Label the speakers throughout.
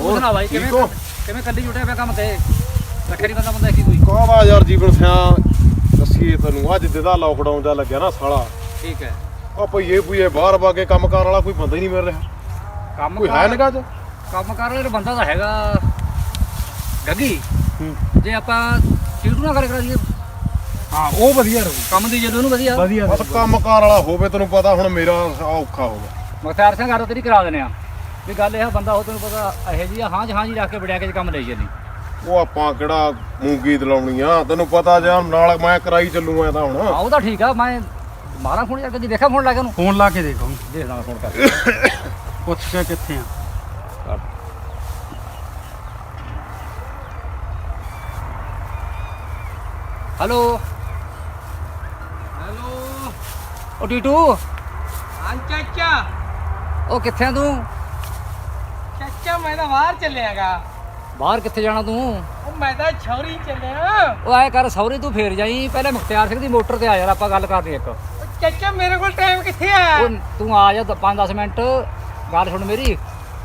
Speaker 1: ਤੂੰ ਸੁਣਾ ਬਾਈ ਕਿਵੇਂ ਕੱਲੀ ਜੁਟਿਆ ਪਿਆ ਕੰਮ ਤੇ ਰੱਖੇ ਨਹੀਂ ਬੰਦਾ ਕੀ ਕੋਈ
Speaker 2: ਕਾਹਦਾ ਯਾਰ ਜੀਵਨ ਸਿਆ ਦੱਸੀਏ ਤੈਨੂੰ ਅੱਜ ਜਿਹਦਾ ਲਾਕਡਾਊਨ ਦਾ ਲੱਗਿਆ ਨਾ ਸਾਲਾ
Speaker 1: ਠੀਕ ਹੈ
Speaker 2: ਆ ਭਈਏ ਬਾਹਰ ਵਾ ਕੇ ਕੰਮ ਕਰਨ ਵਾਲਾ ਕੋਈ ਬੰਦਾ ਹੀ ਨਹੀਂ ਮਿਲ ਰਿਹਾ
Speaker 1: ਕੰਮ
Speaker 2: ਕੋਈ ਹੈ ਨਿਕਾ ਚ
Speaker 1: ਕੰਮ ਕਰ ਰਿਹਾ ਬੰਦਾ ਤਾਂ ਹੈਗਾ ਗੱਗੀ ਜੇ ਆਪਾਂ ਟੀਟੂ ਨਾ ਕਰਾ ਦਈਏ
Speaker 3: ਹਾਂ ਉਹ ਵਧੀਆ ਰਹੂ
Speaker 1: ਕੰਮ ਦੀ ਜਦੋਂ ਨੂੰ ਵਧੀਆ
Speaker 2: ਬਸ ਕੰਮ ਕਾਰ ਵਾਲਾ ਹੋਵੇ ਤੈਨੂੰ ਪਤਾ ਹੁਣ ਮੇਰਾ ਔਖਾ ਹੋ ਗਿਆ
Speaker 1: ਮੁਖਤਾਰ ਸਿੰਘ ਘਰ ਤੇਰੀ ਕਰਾ ਦਿੰਦੇ ਆ ਵੀ ਗੱਲ ਇਹ ਬੰਦਾ ਉਹ ਤੈਨੂੰ ਪਤਾ ਇਹੋ ਜਿਹੀ ਹਾਂ ਜੀ ਰੱਖ ਕੇ ਵੜਿਆ ਕੇ ਕੰਮ ਲਈ ਜਾਂਦੀ
Speaker 2: ਉਹ ਆਪਾਂ ਕਿਹੜਾ ਮੂੰਗੀ ਦਲਾਉਣੀ ਆ ਤੈਨੂੰ ਪਤਾ ਜਾਂ ਨਾਲ ਮੈਂ ਕਰਾਈ ਚੱਲੂ ਐ ਤਾਂ ਹੁਣ
Speaker 1: ਉਹ ਤਾਂ ਠੀਕ ਆ ਮੈਂ ਮਾਰਾ ਫੋਨ ਯਾਰ ਕਦੀ ਦੇਖਿਆ ਫੋਨ ਲਾ ਕੇ ਉਹਨੂੰ
Speaker 3: ਫੋਨ ਲਾ ਕੇ ਦੇਖੋ
Speaker 1: ਦੇਖਦਾ ਫੋਨ ਕਰ
Speaker 3: ਪੁੱਛ ਕੇ ਕਿੱਥੇ ਆ
Speaker 1: ਹੈਲੋ ਉਹ ਟੀਟੂ
Speaker 4: ਹਾਂ ਚਾਚਾ
Speaker 1: ਉਹ ਕਿੱਥੇ ਆ ਤੂੰ
Speaker 4: ਚਾਚਾ ਮੈਂ ਤਾਂ ਬਾਹਰ ਚੱਲਿਆਗਾ
Speaker 1: ਬਾਹਰ ਕਿੱਥੇ ਜਾਣਾ ਤੂੰ
Speaker 4: ਉਹ ਮੈਂ ਤਾਂ ਛੌਰੀ ਚੱਲਿਆ
Speaker 1: ਉਹ ਐ ਕਰ ਸੌਰੀ ਤੂੰ ਫੇਰ ਜਾਈ ਪਹਿਲੇ ਮੁਖਤਿਆਰ ਸਿੰਘ ਦੀ ਮੋਟਰ ਤੇ ਆ ਯਾਰ ਆਪਾਂ ਗੱਲ ਕਰਨੀ ਇੱਕ
Speaker 4: ਉਹ ਚਾਚਾ ਮੇਰੇ ਕੋਲ ਟਾਈਮ ਕਿੱਥੇ ਆ
Speaker 1: ਉਹ ਤੂੰ ਆ ਜਾ 5-10 ਮਿੰਟ ਗੱਲ ਸੁਣ ਮੇਰੀ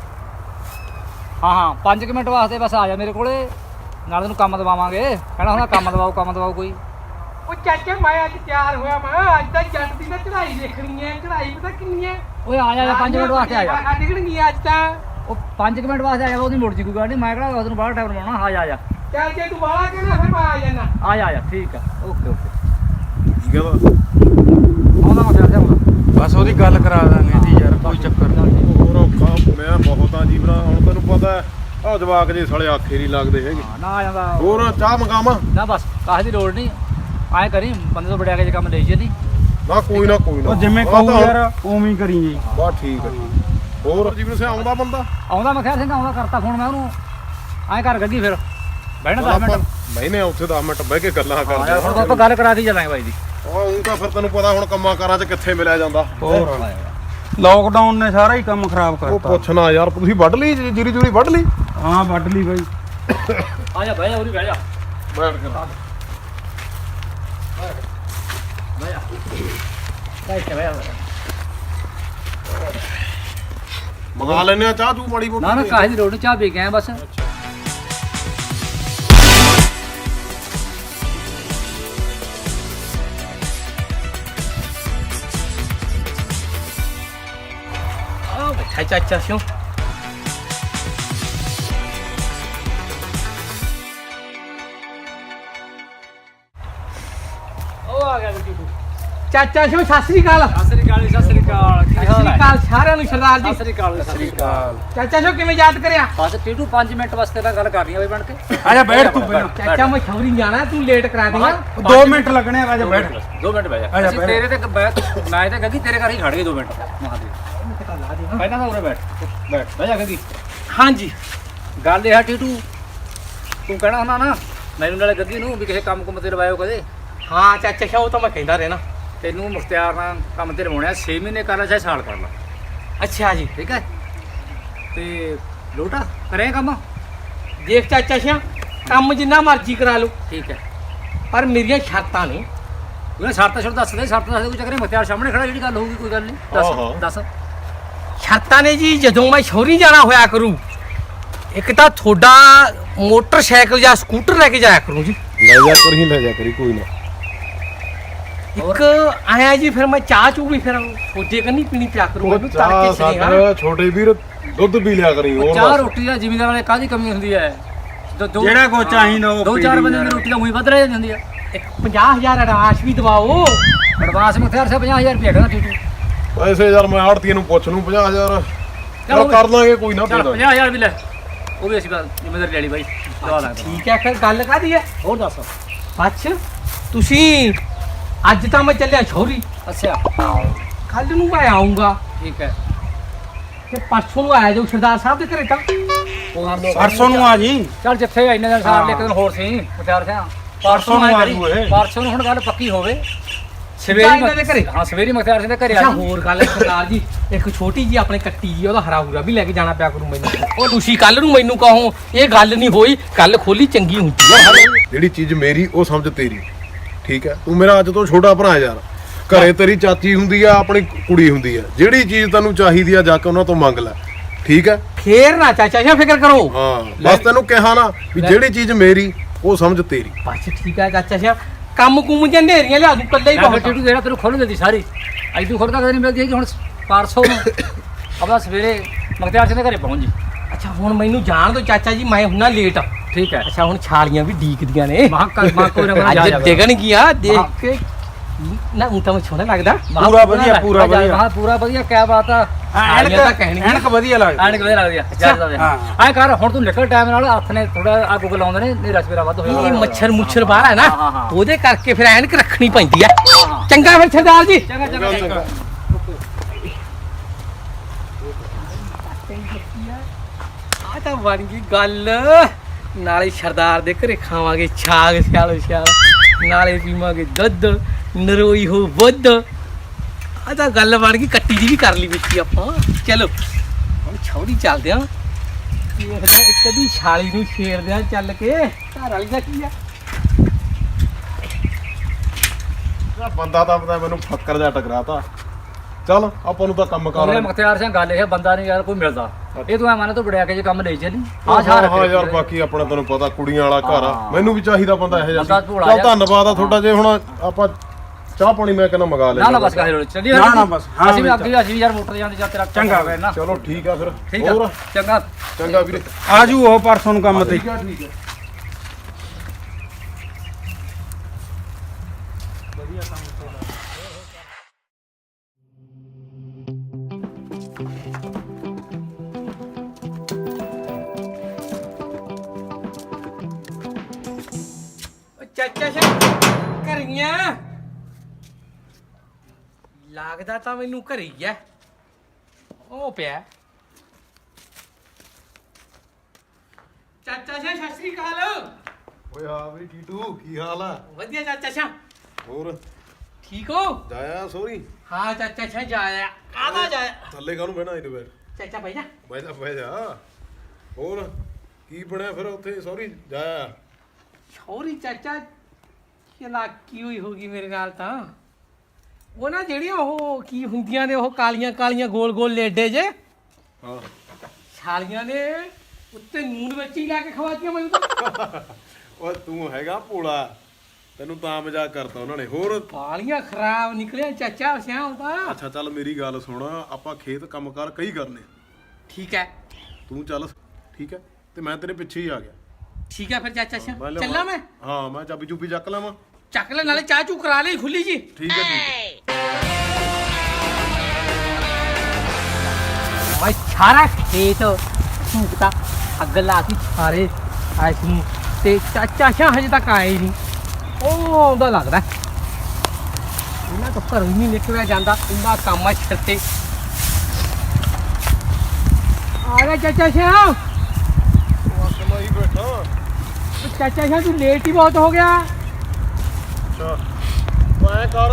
Speaker 1: ਹਾਂ 5 ਮਿੰਟ ਵਾਸਤੇ ਬਸ ਆ ਜਾ ਮੇਰੇ ਕੋਲੇ ਨਾਲ ਤੈਨੂੰ ਕੰਮ ਦਵਾਵਾਂਗੇ ਕਹਿਣਾ ਹੁਣ ਕੰਮ ਦਵਾਓ ਕੋਈ
Speaker 4: ਉਹ ਚਾਚਾ ਮੈਂ ਅੱਜ ਤਿਆਰ ਹੋਇਆ ਮੈਂ ਅੱਜ ਤਾਂ ਜੱਟ ਦੀ ਤਾਂ ਚੜਾਈ ਦੇਖਣੀ ਹੈ ਚੜਾਈ ਪਤਾ ਕਿੰਨੀ ਹੈ
Speaker 1: ਓਏ ਆ ਜਾ 5 ਮਿੰਟ ਵਾਸਤੇ ਆ ਜਾ
Speaker 4: ਡਿੱਗਣਗੀ ਅੱਜ ਤਾਂ
Speaker 1: ਉਹ 5 ਮਿੰਟ ਵਾਸਤੇ ਆ ਜਾ ਉਹਦੀ ਮੁੜ ਜੀ ਕੋਈ ਗੱਲ ਨਹੀਂ ਮੈਂ ਕਿਹੜਾ ਤੈਨੂੰ ਬਾਹਰ ਟਾਈਮ ਲਵਾਉਣਾ ਆ ਜਾ
Speaker 4: ਚੱਲ ਜੇ ਤੂੰ ਬਾਹਲਾ ਕਹਿਣਾ ਫਿਰ ਮੈਂ ਆ ਜਾਣਾ
Speaker 1: ਆ ਜਾ ਠੀਕ ਆ ਓਕੇ
Speaker 2: ਕੀ ਕਹਿੰਦਾ
Speaker 1: ਆਉਂਦਾ ਮੈਂ ਫਿਰ ਆਉਂਦਾ
Speaker 3: ਬਸ ਉਹਦੀ ਗੱਲ ਕਰਾ ਦਾਂਗੇ ਜੀ ਯਾਰ ਕੋਈ ਚੱਕਰ ਨਹੀਂ
Speaker 2: ਹੋਰ ਔਖਾ ਮੈਂ ਬਹੁਤ ਆ ਜੀਵਰਾ ਹੁਣ ਤੈਨੂੰ ਪਤਾ ਆ ਜਵਾਕ ਜੇ ਸਾਲੇ ਆਖੇ ਨਹੀਂ ਲੱਗਦੇ ਹੈਗੇ
Speaker 1: ਨਾ ਆ ਜਾਂਦਾ
Speaker 2: ਹੋਰ ਚਾਹ ਮੰਗਾਵਾਂ
Speaker 1: ਨਾ ਬਸ ਕਾਹ ਦੀ ਲੋੜ ਨਹੀਂ ਐਂ ਕਰੀ ਬੰਦੇ ਤੋਂ ਵੜਿਆ ਕੇ ਜੇ ਕੰਮ ਲਈ ਜਾਂਦੀ
Speaker 2: ਨਾ ਕੋਈ ਨਾ
Speaker 3: ਉਹ ਜਿਵੇਂ ਕਹੂ ਯਾਰ ਉਵੇਂ ਹੀ ਕਰੀ ਜੀ
Speaker 2: ਬਸ ਠੀਕ ਹੈ ਹੋਰ ਜੀਵਨ ਸੇ ਆਉਂਦਾ ਬੰਦਾ
Speaker 1: ਆਉਂਦਾ ਮੈਂ ਖੈਰ ਸਿੰਘ ਆਉਂਦਾ ਕਰਤਾ ਫੋਨ ਮੈਂ ਉਹਨੂੰ ਐਂ ਕਰ ਗੱਗੀ ਫਿਰ ਬਹਿਣਾ 10 ਮਿੰਟ
Speaker 2: ਮੈਨੇ ਉੱਥੇ 10 ਮਿੰਟ ਬਹਿ ਕੇ ਗੱਲਾਂ ਕਰਦੇ
Speaker 1: ਯਾਰ ਹੁਣ ਆਪਾਂ ਗੱਲ ਕਰਾ ਦੀ ਚੱਲਾਂਗੇ ਬਾਈ ਦੀ
Speaker 2: ਉਹ ਤਾਂ ਫਿਰ ਤੈਨੂੰ ਪਤਾ ਹੁਣ ਕੰਮਾਂ ਕਾਰਾਂ 'ਚ ਕਿੱਥੇ ਮਿਲਿਆ ਜਾਂਦਾ
Speaker 3: ਹੋਰ ਲਾਕਡਾਊਨ ਨੇ ਸਾਰਾ ਹੀ ਕੰਮ ਖਰਾਬ
Speaker 2: ਉਹ
Speaker 3: ਕਰਤਾ
Speaker 2: ਪੁੱਛਣਾ ਯਾਰ ਤੁਸੀਂ ਵੱਢ ਲਈ ਜੀਰੀ ਜੂਰੀ ਵੱਢ ਲਈ
Speaker 3: ਹਾਂ ਵੱਢ ਲਈ ਬਾਈ
Speaker 1: ਆ ਜਾ ਬਹਿ ਜਾ ਉਰੀ ਬਹਿ ਜਾ
Speaker 2: ਬੈਠ ਕੇ
Speaker 1: ਬਹਿ ਜਾ
Speaker 2: ਮੰਗਾ ਲੈਨੇ ਆ ਚਾਹ ਤੂੰ ਮਾੜੀ ਮੋਟੀ
Speaker 1: ਨਾ ਕਾਹੇ ਦੀ ਲੋੜ ਨਹੀਂ ਚਾਹ ਪੀ ਕੇ ਆਏ ਬਸ
Speaker 4: ਆ ਬੈਠਾ ਚਾਚਾ ਸਿਓ
Speaker 1: ਉਹ ਆ ਗਿਆ ਗੱਡੀ
Speaker 4: ਚਾਚਾ ਸਿਓ ਸਤਿ ਸ੍ਰੀ ਅਕਾਲ
Speaker 1: ਸਤਿ ਸ੍ਰੀ ਅਕਾਲ
Speaker 4: ਸਤਿ ਸ੍ਰੀ ਅਕਾਲ ਸਾਰਿਆਂ ਨੂੰ ਸਰਦਾਰ ਜੀ
Speaker 1: ਸਤਿ ਸ੍ਰੀ ਅਕਾਲ
Speaker 4: ਚਾਚਾ ਸਿਓ ਕਿਵੇਂ ਯਾਦ ਕਰਿਆ
Speaker 1: ਬਸ ਟੀਟੂ 5 ਮਿੰਟ ਵਾਸਤੇ ਤਾਂ ਗੱਲ ਕਰਨੀ ਆ ਬਈ ਬਣ ਕੇ
Speaker 3: ਆ ਜਾ ਬੈਠ ਤੂੰ ਪਹਿਲਾਂ
Speaker 4: ਚਾਚਾ ਮੈਂ ਛੌਰੀ ਜਾਣਾ ਤੂੰ ਲੇਟ ਕਰਾ ਦੇਗਾ
Speaker 3: 2 ਮਿੰਟ ਲੱਗਣੇ ਆ ਜਾ ਬੈਠ
Speaker 1: 2 ਮਿੰਟ ਬਹਿ
Speaker 3: ਆ
Speaker 1: ਜਾ
Speaker 3: ਜਾ,
Speaker 1: ਅਸੀਂ
Speaker 3: ਬਹਿ
Speaker 1: ਤੇਰੇ ਤੇ ਮੈਂ ਤੇ ਗੱਗੀ ਤੇਰੇ ਘਰ ਹੀ ਖੜ ਗਏ 2 ਮਿੰਟ ਮਹਾਦੇਵ ਪਹਿਲਾਂ ਤਾਂ ਉਰੇ ਬੈਠ ਬਹਿ ਜਾ ਗੱਗੀ
Speaker 4: ਹਾਂਜੀ
Speaker 1: ਗੱਲ ਇਹ ਆ ਟੀਟੂ ਤੂੰ ਕਹਿਣਾ ਹੁੰਦਾ ਨਾ ਮੈਨੂੰ ਨਾਲੇ ਗੱਗੀ ਨੂੰ ਵੀ ਕਿਸੇ ਕੰਮ ਕੁੰਮ ਤੇ ਲਵਾਇਓ ਕਦੇ
Speaker 4: ਹਾਂ ਚਾਚਾ ਸਿਓ ਉਹ ਤਾਂ ਮੈਂ ਕਹਿੰਦਾ ਰਹਿਣਾ
Speaker 1: ਤੈਨੂੰ ਮੁਖਤਿਆਰ ਨਾਲ ਕੰਮ ਤੇ ਲਵਾਉਣਾ 6 ਮਹੀਨੇ ਕਰ ਲੈ ਚਾਹੇ ਸਾਲ ਕਰ ਲੈ
Speaker 4: ਅੱਛਾ ਜੀ
Speaker 1: ਠੀਕ ਹੈ ਤੇ ਲੋਟਾ ਕਰੇ ਕੰਮ
Speaker 4: ਦੇਖ ਚਾਚਾ ਸਿਆ ਕੰਮ ਜਿੰਨਾ ਮਰਜ਼ੀ ਕਰਾ ਲਓ
Speaker 1: ਠੀਕ ਹੈ
Speaker 4: ਪਰ ਮੇਰੀਆਂ ਸ਼ਰਤਾਂ ਨੇ
Speaker 1: ਉਹਨੇ ਸ਼ਰਤਾਂ ਛੋੜ ਦੱਸ ਦੇ ਕੋਈ ਚੱਕਰ ਨਹੀਂ ਮੁਖਤਿਆਰ ਸਾਹਮਣੇ ਖੜਾ ਜਿਹੜੀ ਗੱਲ ਹੋਊਗੀ ਕੋਈ ਗੱਲ ਨਹੀਂ
Speaker 2: ਹਾਂ।
Speaker 1: ਦੱਸ
Speaker 4: ਸ਼ਰਤਾਂ ਨੇ ਜੀ ਜਦੋਂ ਮੈਂ ਸ਼ੌਰੀ ਜਾਣਾ ਹੋਇਆ ਕਰੂ ਇੱਕ ਤਾਂ ਤੁਹਾਡਾ ਮੋਟਰਸਾਈਕਲ ਜਾਂ ਸਕੂਟਰ ਲੈ ਕੇ ਜਾਇਆ ਕਰੂੰ ਜੀ
Speaker 2: ਲੈ ਜਾ ਕਰੀ ਕੋਈ ਨਾ
Speaker 4: ਇੱਕ ਆਇਆ ਜੀ ਫਿਰ ਮੈਂ ਚਾਹ ਚੂ ਵੀ ਫਿਰ ਸੋਚੇ ਕੰਨੀ ਪੀਣੀ ਪਿਆ ਕਰੂੰ ਮੈਨੂੰ
Speaker 2: ਚਾਹ
Speaker 4: ਤੜਕੇ ਸਨੇਹਾ
Speaker 2: ਸਾਡਾ ਛੋਟੇ ਵੀਰ ਦੁੱਧ ਪੀ ਲਿਆ ਕਰੀ ਹੋਰ
Speaker 1: ਚਾਹ
Speaker 2: ਬਸ।
Speaker 1: ਰੋਟੀ ਦਾ ਜ਼ਿਮੀਂਦਾਰ ਵਾਲੇ ਕਾਹਦੀ ਕਮੀ ਹੁੰਦੀ ਹੈ
Speaker 3: ਜਿਹੜਾ ਕੋ ਚਾਹੀਦਾ ਉਹ
Speaker 1: ਦੋ
Speaker 3: ਪੀ
Speaker 1: ਚਾਰ
Speaker 3: ਲਈ
Speaker 1: ਬੰਦੇ ਦੀ
Speaker 3: ਯਾਰ।
Speaker 1: ਰੋਟੀ ਤਾਂ ਉਹੀ ਵੱਧ ਰਹਿ ਜਾਂਦੀ ਹੈ
Speaker 4: ਇੱਕ 50000 ਅਡਵਾਂਸ ਵੀ ਦਵਾਓ
Speaker 1: ਐਡਵਾਂਸ ਮੁਖਤਿਆਰ ਸਾਹਿਬ 50000 ਰੁਪਏ ਕਹਿੰਦਾ ਟੀਟੂ
Speaker 2: ਪੈਸੇ ਯਾਰ ਮੈਂ ਆੜਤੀਏ ਨੂੰ ਪੁੱਛ ਲੂੰ 50000 ਚਲ ਕਰ ਲਾਂਗੇ ਕੋਈ ਨਾ
Speaker 1: ਚਲ
Speaker 2: ਦੇ
Speaker 1: 50000 ਵੀ ਲੈ ਉਹ ਵੀ ਅਸੀਂ ਜ਼ਿਮੀਂਦਾਰ ਲੈ ਲਈ ਬਾਈ ਦਵਾ ਦਾਂਗੇ
Speaker 4: ਠੀਕ ਹੈ ਫਿਰ ਗੱਲ ਕਾਦੀ ਹੈ
Speaker 1: ਹੋਰ ਦੱਸ
Speaker 4: ਅੱਛ ਤੁਸੀਂ ਅੱਜ ਤਾਂ ਮੈਂ ਚੱਲਿਆ ਛੋਰੀ
Speaker 1: ਅੱਛਾ
Speaker 4: ਕੱਲ ਨੂੰ ਮੈਂ ਆਉਂਗਾ
Speaker 1: ਠੀਕ ਹੈ
Speaker 4: ਤੇ ਪਰਸੋਂ ਨੂੰ ਆਇਆ ਜਾਓ ਸਰਦਾਰ ਸਾਹਿਬ ਦੇ ਘਰੇ ਤਾਂ
Speaker 3: ਪਰਸੋਂ ਨੂੰ ਆ ਜੀ
Speaker 1: ਚੱਲ ਜਿੱਥੇ ਇੰਨੇ ਦਿਨ ਸਾਰ ਲੈ ਇੱਕ ਦਿਨ ਹੋਰ ਸੀ ਮੁਖਤਿਆਰ ਸਾਹਿਬ
Speaker 3: ਪਰਸੋਂ ਨੂੰ ਆ ਜੂ ਇਹ
Speaker 1: ਪਰਸੋਂ ਨੂੰ ਹੁਣ ਗੱਲ ਪੱਕੀ ਹੋਵੇ
Speaker 4: ਸਿੱਧਾ ਇਹਨਾਂ ਦੇ ਘਰੇ
Speaker 1: ਹਾਂ ਸਵੇਰੀ ਮੁਖਤਿਆਰ ਸਿੰਘ ਦੇ ਘਰੇ ਆ
Speaker 4: ਅੱਛਾ
Speaker 1: ਜਾਈਂ।
Speaker 4: ਹੋਰ ਗੱਲ ਹੈ ਸਰਦਾਰ ਜੀ ਇੱਕ ਛੋਟੀ ਜੀ ਆਪਣੇ ਕੱਟੀ ਜੀ ਉਹਦਾ ਹਰਾ ਹੁਰਾ ਵੀ ਲੈ ਕੇ ਜਾਣਾ ਪਿਆ ਕਰੂ ਮੈਨੂੰ ਉਹ ਤੁਸੀਂ ਕੱਲ ਨੂੰ ਮੈਨੂੰ ਕਹੋ ਇਹ ਗੱਲ ਨਹੀਂ ਹੋਈ ਕੱਲ ਖੋਲੀ ਚੰਗੀ ਹੁੰਦੀ ਹੈ
Speaker 2: ਜਿਹੜੀ ਚੀਜ਼ ਮੇਰੀ ਉਹ ਸਮਝ ਤੇਰੀ ਠੀਕ ਹੈ ਤੂੰ ਮੇਰਾ ਅੱਜ ਤੋਂ ਛੋਟਾ ਭਰਾ ਯਾਰ ਘਰੇ ਤੇਰੀ ਚਾਚੀ ਹੁੰਦੀ ਆ ਆਪਣੀ ਕੁੜੀ ਹੁੰਦੀ ਆ ਜਿਹੜੀ ਚੀਜ਼ ਤੈਨੂੰ ਚਾਹੀਦੀ ਆ ਜਾ ਕੇ ਉਹਨਾਂ ਤੋਂ ਮੰਗ ਲੈ ਠੀਕ ਹੈ
Speaker 4: ਫੇਰ ਨਾ ਚਾਚਾ ਜੀ ਫਿਕਰ ਕਰੋ।
Speaker 2: ਹਾਂ ਬਸ ਤੈਨੂੰ ਕਿਹਾ ਨਾ ਵੀ ਜਿਹੜੀ ਚੀਜ਼ ਮੇਰੀ ਉਹ ਸਮਝ ਤੇਰੀ।
Speaker 4: ਬਸ ਠੀਕ ਹੈ ਚਾਚਾ ਜੀ, ਕੰਮ ਕੁਮ ਜਾਂ ਨੇਰੀਆਂ ਲਿਆ ਦੂੰ ਕੱਲੇ ਹੀ ਬਹੁਤ।
Speaker 1: ਟੀਟੂ ਜਿਹੜਾ ਤੈਨੂੰ ਖੋਲ ਦਿੰਦੀ ਸਾਰੀ ਐਦੂ ਖੋਲ ਤਾਂ ਕਦੇ ਨਹੀਂ ਮਿਲਦੀ ਹੈਗੀ। ਹੁਣ ਪਰਸੋਂ ਨੂੰ ਆਪਣਾ ਸਵੇਰੇ ਮਖਤਿਆਰ ਸਿੰਘ ਦੇ ਘਰੇ ਪਹੁੰਚ ਜੀ।
Speaker 4: ਅੱਛਾ ਹੁਣ ਮੈਨੂੰ ਜਾਣ ਦੋ ਚਾਚਾ ਜੀ, ਮੈਂ ਹੁੰਨਾ ਲੇਟ।
Speaker 1: ਠੀਕ ਹੈ।
Speaker 4: ਅੱਛਾ ਹੁਣ ਛਾਲੀਆਂ ਵੀ ਡੀਕਦੀਆਂ ਨੇ।
Speaker 1: ਮਾਂ ਕੋਈ ਨਾ
Speaker 4: ਅੱਜ ਡਿਗਣ ਗਿਆ ਦੇਖ ਕੇ ਨਾ ਉਹ ਤਾਂ ਸੋਹਣਾ ਲੱਗਦਾ।
Speaker 3: ਪੂਰਾ ਵਧੀਆ, ਪੂਰਾ ਵਧੀਆ।
Speaker 1: ਹਾਂ ਪੂਰਾ ਵਧੀਆ, ਕਿਆ ਬਾਤ ਆ।
Speaker 3: ਐਨਕ ਵਧੀਆ ਲੱਗਦੀ।
Speaker 1: ਐਨਕ ਵਧੀਆ ਲੱਗਦੀ ਆ ਜਿਆਦਾ। ਐ ਕਰ ਹੁਣ ਤੂੰ ਨਿਕਲ ਟਾਈਮ ਨਾਲ, ਹੱਥ ਨੇ ਥੋੜਾ ਆ ਗੁੱਗ ਲਾਉਂਦੇ ਨੇ, ਨੇਰਾ ਸਵੇਰਾ ਵੱਧ ਹੋਇਆ।
Speaker 4: ਇਹ ਮੱਛਰ ਮੁੱਛਰ ਬਾਹਰ ਹੈ ਨਾ,
Speaker 1: ਹਾਂ।
Speaker 4: ਉਹਦੇ ਕਰਕੇ ਫਿਰ ਐਨਕ ਰੱਖਣੀ ਪੈਂਦੀ ਆ। ਚੰਗਾ ਫਿਰ ਸਰਦਾਰ ਜੀ।
Speaker 1: ਚੰਗਾ ਚੰਗਾ।
Speaker 4: ਆ ਤਾਂ ਬਣ ਗਈ ਗੱਲ। ਨਾਲੇ ਸਰਦਾਰ ਦੇ ਘਰੇ ਖਾਵਾਂਗੇ ਛਾਗ ਸਿਆਲੋ ਸਿਆਲ, ਨਾਲੇ ਪੀਵਾਂਗੇ ਦੁੱਧ, ਨਰੋਈ ਹੋ ਵੱਧ। ਆ ਤਾਂ ਗੱਲ ਬਣ ਗਈ। ਕੱਟੀ ਦੀ ਵੀ ਕਰ ਲਈ ਵਿੱਚ ਆਪਾਂ। ਚਲੋ ਹੁਣ ਛੌੜੀ ਚੱਲਦੇ ਆ, ਦੇਖਦੇ ਇੱਕ ਦੀ ਛਾਲੀ ਨੂੰ ਛੇੜਦੇ ਆ ਚੱਲ ਕੇ। ਘਰ ਵਾਲੀ ਦਾ ਕੀ ਆ?
Speaker 2: ਬੰਦਾ ਤਾਂ ਪਤਾ ਮੈਨੂੰ ਫੱਕਰ ਜਾ ਟਕਰਾਤਾ। ਚੱਲ ਆਪਾਂ ਨੂੰ ਤਾਂ ਕੰਮ ਕਰ
Speaker 1: ਉਹਨੇ ਮੁਖਤਿਆਰ ਸਿੰਘ ਗੱਲ ਇਹ ਬੰਦਾ ਨਹੀਂ ਯਾਰ ਕੋਈ ਮਿਲਦਾ। ਇਹ ਤੂੰ ਐ ਮੰਨ ਤੂੰ ਬੜਿਆ ਕੇ ਜੇ ਕੰਮ ਲੈ ਚੱਲੀ।
Speaker 2: ਹਾਂ ਯਾਰ ਬਾਕੀ ਆਪਣਾ ਤੈਨੂੰ ਪਤਾ ਕੁੜੀਆਂ ਵਾਲਾ ਘਰ ਆ, ਮੈਨੂੰ ਵੀ ਚਾਹੀਦਾ ਬੰਦਾ ਇਹੋ ਜਿਹਾ।
Speaker 1: ਬੰਦਾ ਭੋਲਾ
Speaker 2: ਚੱਲ
Speaker 1: ਜਿਹਾ।
Speaker 2: ਧੰਨਵਾਦ ਆ ਤੁਹਾਡਾ। ਜੇ ਹੁਣ ਆਪਾਂ ਚਾਹ ਪਾਣੀ ਮੈਂ ਕਹਿੰਦਾ ਮੰਗਾ ਲੈ।
Speaker 1: ਨਾ ਬਸ ਕਹੇ ਰੋਲ ਚੱਲੀ।
Speaker 3: ਨਾ ਬਸ, ਹਾਂ
Speaker 1: ਅਸੀਂ ਵੀ ਅੱਗੇ ਅਸੀਂ ਵੀ ਯਾਰ ਮੋਟਰ ਜਾਂਦੇ ਜਾਂ ਤੇਰਾ
Speaker 3: ਚੰਗਾ
Speaker 1: ਨਾ।
Speaker 2: ਚਲੋ ਠੀਕ ਆ ਫਿਰ।
Speaker 1: ਠੀਕ ਆ
Speaker 2: ਹੋਰ
Speaker 1: ਚੰਗਾ।
Speaker 2: ਚੰਗਾ ਵੀਰੇ।
Speaker 3: ਆਜੂ ਉਹ ਪਰਸੋਂ ਨੂੰ ਕੰਮ ਤੇ।
Speaker 2: ਠੀਕ ਆ ਠੀਕ ਆ।
Speaker 4: ਚਾਚਾ ਜੀ ਘਰੀਆਂ ਲੱਗਦਾ ਤਾਂ ਮੈਨੂੰ ਘਰੇ ਹੀ ਐ। ਉਹ ਪਿਆ ਚਾਚਾ ਜੀ। ਸਤਿ ਸ੍ਰੀ ਅਕਾਲ।
Speaker 2: ਓਏ ਹਾਂ ਵੀ ਟੀਟੂ ਕੀ ਹਾਲ ਆ?
Speaker 4: ਵਧੀਆ ਚਾਚਾ ਜੀ।
Speaker 2: ਹੋਰ
Speaker 4: ਠੀਕ ਹੋ?
Speaker 2: ਜਾਇਆ ਸੋਰੀ?
Speaker 4: ਹਾਂ ਚਾਚਾ ਜੀ ਜਾਇਆ। ਕਾਹਦਾ ਜਾਇਆ?
Speaker 2: ਥੱਲੇ ਕਾਹਨੂੰ ਬਹਿਣਾ ਇਹਦੇ ਬੈਠ।
Speaker 4: ਚਾਚਾ ਬਹਿ ਜਾ।
Speaker 2: ਬਹਿ ਜਾ। ਹੋਰ ਕੀ ਬਣਿਆ ਫਿਰ ਉੱਥੇ? ਸੋਰੀ ਜਾਇਆ।
Speaker 4: ਛੋਰੀ ਚਾਚਾ ਚਲਾਕੀ ਹੋਈ ਹੋਗੀ ਮੇਰੇ ਨਾਲ ਤਾਂ। ਉਹ ਨਾ ਜਿਹੜੀਆਂ ਉਹ ਕੀ ਹੁੰਦੀਆਂ ਨੇ, ਉਹ ਕਾਲੀਆਂ ਕਾਲੀਆਂ ਗੋਲ ਗੋਲ ਲੇਡੇ ਜੇ,
Speaker 2: ਹਾਂ
Speaker 4: ਛਾਲੀਆਂ ਨੇ ਉੱਤੇ ਨੂਨ ਵਿੱਚ ਹੀ ਲਾ ਕੇ ਖਵਾਤੀਆਂ ਮੈਨੂੰ ਤਾਂ।
Speaker 2: ਓਏ ਤੂੰ ਹੈਗਾ ਭੋਲਾ, ਤੈਨੂੰ ਤਾਂ ਮਜ਼ਾਕ ਕਰਤਾ ਉਹਨਾਂ ਨੇ। ਹੋਰ
Speaker 4: ਪਾਲੀਆਂ ਖਰਾਬ ਨਿਕਲਿਆ ਚਾਚਾ ਸਿਆਹ ਦਾ।
Speaker 2: ਅੱਛਾ ਚੱਲ ਮੇਰੀ ਗੱਲ ਸੁਣ, ਆਪਾਂ ਖੇਤ ਕੰਮਕਾਰ ਕਈ ਕਰਨੇ।
Speaker 4: ਠੀਕ ਹੈ
Speaker 2: ਤੂੰ ਚੱਲ ਠੀਕ ਹੈ, ਤੇ ਮੈਂ ਤੇਰੇ ਪਿੱਛੇ ਹੀ ਆ ਗਿਆ।
Speaker 4: ਠੀਕ ਹੈ ਫਿਰ ਚਾਚਾ ਸਿਆਹ
Speaker 2: ਮੈਂ ਲਿਆਵਾਂ-
Speaker 4: ਚੱਲਾਂ ਮੈਂ।
Speaker 2: ਹਾਂ ਮੈਂ ਚਾਬੀ ਚੂਬੀ ਚੱਕ ਲਵਾਂ।
Speaker 4: ਚੱਕ ਲੈ, ਨਾਲੇ ਚਾਹ ਚੂ ਕਰਾ ਲਈ ਖੁੱਲੀ ਜੀ।
Speaker 2: ਠੀਕ ਹੈ ਠੀਕ ਹੈ।
Speaker 4: ਮੈਂ ਸਾਰਾ ਖੇਤ ਝੂਕਤਾ, ਅੱਗ ਲਾ ਕੇ ਸਾਰੇ ਐਸ ਨੂੰ, ਤੇ ਚਾਚਾ ਸਿਆਹ ਹਜੇ ਤੱਕ ਆਏ ਨਹੀਂ। ਉਹ ਆਉਂਦਾ ਲੱਗਦਾ। ਇਹਨਾਂ ਤੋਂ ਘਰੋਂ ਹੀ ਨਹੀਂ ਨਿਕਲਿਆ ਜਾਂਦਾ, ਇੰਨਾ ਕੰਮ ਆ ਸਿਰ ਤੇ। ਆ ਗਿਆ ਚਾਚਾ ਸਿਆਹ।
Speaker 2: ਅਕਲ ਹੀ ਬੈਠਾ।
Speaker 4: ਚਾਚਾ ਸਿਆਹ ਤੂੰ ਲੇਟ ਹੀ ਬਹੁਤ ਹੋ ਗਿਆ।
Speaker 2: ਅੱਛਾ ਮੈਂ ਕਰ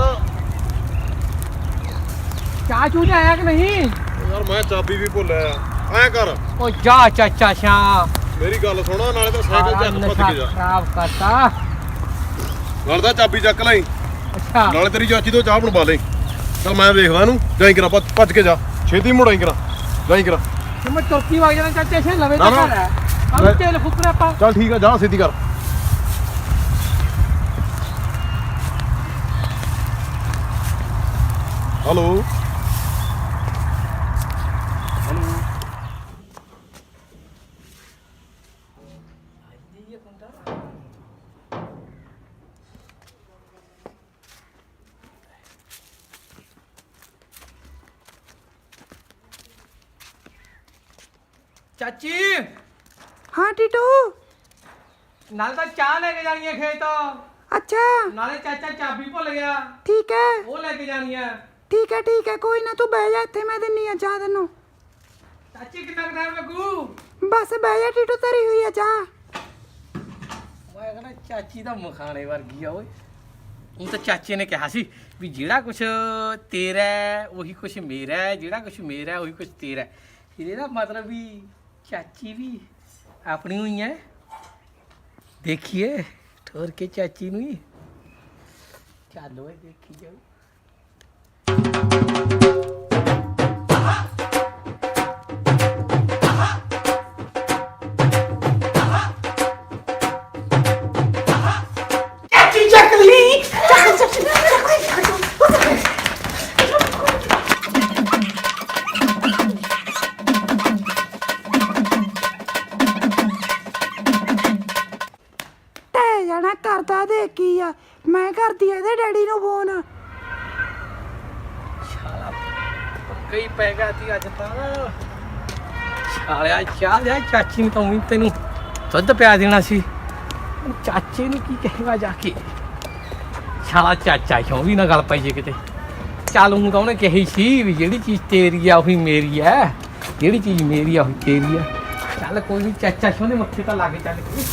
Speaker 4: ਚਾਹ ਚੂ ਆਇਆ ਕਿ ਨਹੀਂ?
Speaker 2: ਯਾਰ ਮੈਂ ਚਾਬੀ ਵੀ ਭੁੱਲਿਆ। ਐ ਕਰ
Speaker 4: ਉਹ ਜਾ ਚਾਚਾ ਸਿਆਹ,
Speaker 2: ਮੇਰੀ ਗੱਲ ਸੁਣ, ਨਾਲੇ ਤਾਂ ਸਾਈਕਲ
Speaker 4: ਸਾਰਾ
Speaker 2: ਚੱਕ ਭੱਜ
Speaker 4: ਨਸ਼ਾ
Speaker 2: ਕੇ ਜਾ।
Speaker 4: ਖਰਾਬ ਕਰਤਾ।
Speaker 2: ਨਾਲੇ ਤਾਂ ਚਾਬੀ ਚੱਕ ਲਈ,
Speaker 4: ਅੱਛਾ
Speaker 2: ਨਾਲੇ ਤੇਰੀ ਚਾਚੀ ਤੋਂ ਚਾਹ ਬਣਵਾ ਲਈ। ਚੱਲ ਮੈਂ ਵੇਖਦਾ ਇਹਨੂੰ। ਜਾਈ ਕਰਾਂ ਭੱਜ ਕੇ ਜਾ, ਛੇਤੀ ਮੁੜਾਈ ਕਰਾਂ। ਜਾਈ ਕਰਾਂ।
Speaker 4: ਤੇ ਮੈਂ ਚੌਕੀ ਵਗ ਜਾਣਾ ਚਾਚਾ ਸਿਆਹ, ਲਵੇ
Speaker 2: ਨਾ,
Speaker 4: ਤਾਂ
Speaker 2: ਨਾ।
Speaker 4: ਘਰ ਹੈ। ਆਹ ਤੇਲ ਫੁਕਰੇ ਆਪਾਂ।
Speaker 2: ਚੱਲ ਠੀਕ ਆ, ਜਾ ਸਿੱਧੀ ਕਰ। ਹੈਲੋ
Speaker 4: ਚਾਚੀ
Speaker 5: हाँ टीटू।
Speaker 4: ਨਾਲ ਤਾਂ ਚਾਹ ਲੈ ਕੇ ਜਾਣੀ ਹੈ ਖੇਤ,
Speaker 5: अच्छा
Speaker 4: ਨਾਲੇ ਚਾਚਾ ਚਾਬੀ ਭੁੱਲ ਗਿਆ,
Speaker 5: ठीक है
Speaker 4: ਉਹ ਲੈ ਕੇ ਜਾਣੀ ਹੈ।
Speaker 5: ठीक है कोई ना तू बह जा इत्थे, मैं दिन्नी आ चाह तेनू।
Speaker 4: ਚਾਚੀ ਕਿੰਨਾ ਟਾਈਮ ਲੱਗੂ?
Speaker 5: बस बह जा टीटू, तरी हुई है चाह।
Speaker 4: ਮੈਂ ਕਹਿੰਦਾ ਚਾਚੀ ਦਾ ਮਖਾਣੇ ਵਰਗੀ ਆ ਓਏ। ਉਹ ਤਾਂ ਚਾਚੇ ਨੇ ਕਿਹਾ ਸੀ ਵੀ ਜਿਹੜਾ ਕੁਛ ਤੇਰਾ ਹੈ, ਉਹੀ ਕੁਛ ਮੇਰਾ ਹੈ, ਜਿਹੜਾ ਕੁਛ ਮੇਰਾ ਹੈ, ਉਹੀ ਕੁਛ ਤੇਰਾ ਹੈ। ਇਹਦਾ ਮਤਲਬ ਵੀ ਚਾਚੀ ਵੀ ਆਪਣੀ ਹੋਈ ਹੈ। ਦੇਖੀਏ ਠੋਰ ਕੇ ਚਾਚੀ ਨੂੰ ਹੀ। ਚੱਲ ਓਏ ਦੇਖੀ ਜਾਓ। ਕਈ ਪੈ ਗਿਆ ਤੀ ਅੱਜ ਤਾਂ ਸਾਲਿਆ ਚਾਹ ਜਾ ਚਾਚੀ ਨੂੰ ਤਾਂ ਊਂ ਤੈਨੂੰ ਦੁੱਧ ਪਿਆ ਦੇਣਾ ਸੀ ਚਾਚੇ ਨੂੰ ਕੀ ਕਹੇਗਾ ਜਾ ਕੇ ਸਾਲਾ ਚਾਚਾ ਕਿਉਂ ਵੀ ਨਾ ਗੱਲ ਪਈ ਜੇ ਕਿਤੇ ਚੱਲ ਹੂੰ ਤਾਂ ਉਹਨੇ ਕਹੀ ਸੀ ਵੀ ਜਿਹੜੀ ਚੀਜ਼ ਤੇਰੀ ਆ ਉਹੀ ਮੇਰੀ ਆ ਜਿਹੜੀ ਚੀਜ਼ ਮੇਰੀ ਆ ਉਹੀ ਤੇਰੀ ਆ ਚੱਲ ਕੋਈ ਨਹੀਂ ਚਾਚਾ ਕਿਉਂ ਦੇ ਮੱਥੇ ਤਾਂ ਲੱਗ ਚੱਲ ਕੇ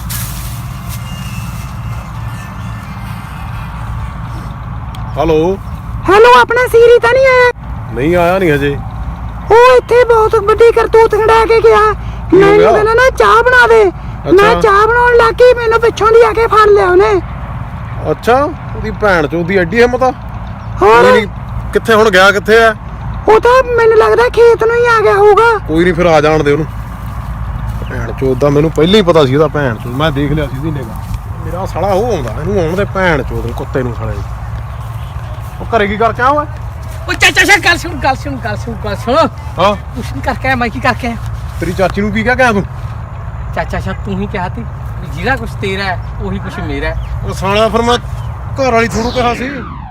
Speaker 2: ਹੈਲੋ
Speaker 5: ਹੈਲੋ ਆਪਣਾ ਸੀਰੀ ਤਾਂ ਨਹੀਂ ਆਇਆ
Speaker 2: ਨਹੀਂ ਆਇਆ ਨਹੀਂ ਹਜੇ
Speaker 5: ਉਹ ਇੱਥੇ ਬਹੁਤ ਵੱਡੀ ਕਰਤੂਤ ਖੜਾ ਕੇ ਗਿਆ
Speaker 2: ਹੋ
Speaker 5: ਮੈਨੂੰ
Speaker 2: ਗਿਆ?
Speaker 5: ਕਹਿੰਦਾ ਨਾ ਚਾਹ ਬਣਾ ਦੇ ਮੈਂ
Speaker 2: ਅੱਛਾ।
Speaker 5: ਚਾਹ ਬਣਾਉਣ ਲੱਗੀ ਮੈਨੂੰ ਪਿੱਛੋਂ ਦੀ ਆ ਕੇ ਫੜ ਲਿਆ ਉਹਨੇ
Speaker 2: ਅੱਛਾ ਉਹਦੀ ਭੈਣ ਚ ਉਹਦੀ ਐਡੀ ਹਿੰਮਤ ਆ
Speaker 5: ਹੋਰ
Speaker 2: ਕੋਈ ਨੀ, ਕਿੱਥੇ ਹੁਣ ਗਿਆ ਕਿੱਥੇ ਆ
Speaker 5: ਉਹ ਤਾਂ ਮੈਨੂੰ ਲੱਗਦਾ ਖੇਤ ਨੂੰ ਹੀ ਆ ਗਿਆ ਹੋਊਗਾ
Speaker 2: ਕੋਈ ਨਹੀਂ ਫਿਰ ਆ ਜਾਣ ਦੇ ਉਹਨੂੰ ਭੈਣ ਚੋਦ ਦਾ ਮੈਨੂੰ ਪਹਿਲਾਂ ਹੀ ਪਤਾ ਸੀ ਉਹਦਾ ਭੈਣ ਚੋਦ ਮੈਂ ਦੇਖ ਲਿਆ ਸੀ ਉਹਦੀ ਨਿਗਾਹ ਮੇਰਾ ਸਾਲਾ ਉਹ ਆਉਂਦਾ ਇਹਨੂੰ ਆਉਣ ਦੇ ਭੈਣ ਚੋਦ ਨੂੰ ਕੁੱਤੇ ਨੂੰ ਸਾਲੇ ਉਹ ਘਰੇ ਕੀ ਕਰਕੇ ਆ ਓਏ
Speaker 4: ਉਹ ਚਾਚਾ ਸ਼ਾ ਗੱਲ ਸੁਣ
Speaker 2: ਹਾਂ
Speaker 4: ਕੁਛ ਨਹੀਂ ਕਰਕੇ ਆਇਆ ਮੈਂ ਕੀ ਕਰਕੇ ਆਇਆ
Speaker 2: ਤੇਰੀ ਚਾਚੀ ਨੂੰ ਕੀ ਕਹਿ ਗਿਆ ਤੂੰ
Speaker 4: ਚਾਚਾ ਸ਼ਾ ਤੂੰ ਹੀ ਕਿਹਾ ਤੀ ਵੀ ਜਿਹੜਾ ਕੁਛ ਤੇਰਾ ਹੈ ਉਹੀ ਕੁਛ ਮੇਰਾ ਹੈ
Speaker 2: ਉਹ ਸਾਲਾ ਫਿਰ ਮੈਂ ਘਰ ਵਾਲੀ ਥੋੜੂ ਕਿਹਾ ਸੀ